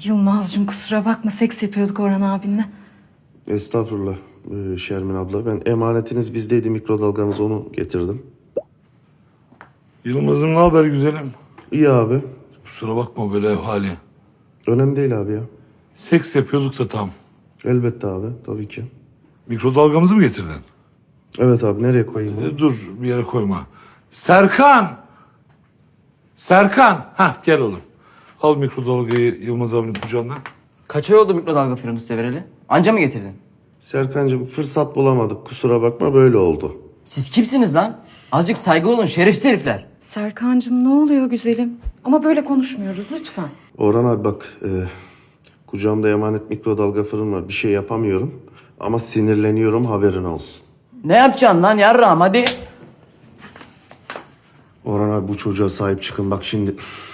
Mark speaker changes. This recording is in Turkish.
Speaker 1: Yılmaz'cığım kusura bakma, seks yapıyorduk Orhan abinle.
Speaker 2: Estağfurullah Şermin abla. Ben emanetiniz bizdeydi, mikrodalganız, onu getirdim.
Speaker 3: Yılmaz'ım ne haber güzelim?
Speaker 2: İyi abi.
Speaker 3: Kusura bakma böyle ev hali.
Speaker 2: Önemli değil abi ya.
Speaker 3: Seks yapıyorduk da tam.
Speaker 2: Elbette abi, tabii ki.
Speaker 3: Mikrodalgamızı mı getirdin?
Speaker 2: Evet abi, nereye koyayım bunu?
Speaker 3: Dur bir yere koyma. Serkan! Serkan! Hah gel oğlum. Al mikrodalgayı Yılmaz abinin kucağından.
Speaker 4: Kaç ay oldu mikrodalga fırını size vereli? Anca mı getirdin?
Speaker 2: Serkancığım, fırsat bulamadık, kusura bakma, böyle oldu.
Speaker 4: Siz kimsiniz lan? Azıcık saygılı olun şerefsiz herifler.
Speaker 1: Serkancığım ne oluyor güzelim? Ama böyle konuşmuyoruz lütfen.
Speaker 2: Orhan abi bak, kucağımda emanet mikrodalga fırın var, bir şey yapamıyorum. Ama sinirleniyorum, haberin olsun.
Speaker 4: Ne yapacaksın lan yarrağım hadi.
Speaker 2: Orhan abi, bu çocuğa sahip çıkın bak şimdi.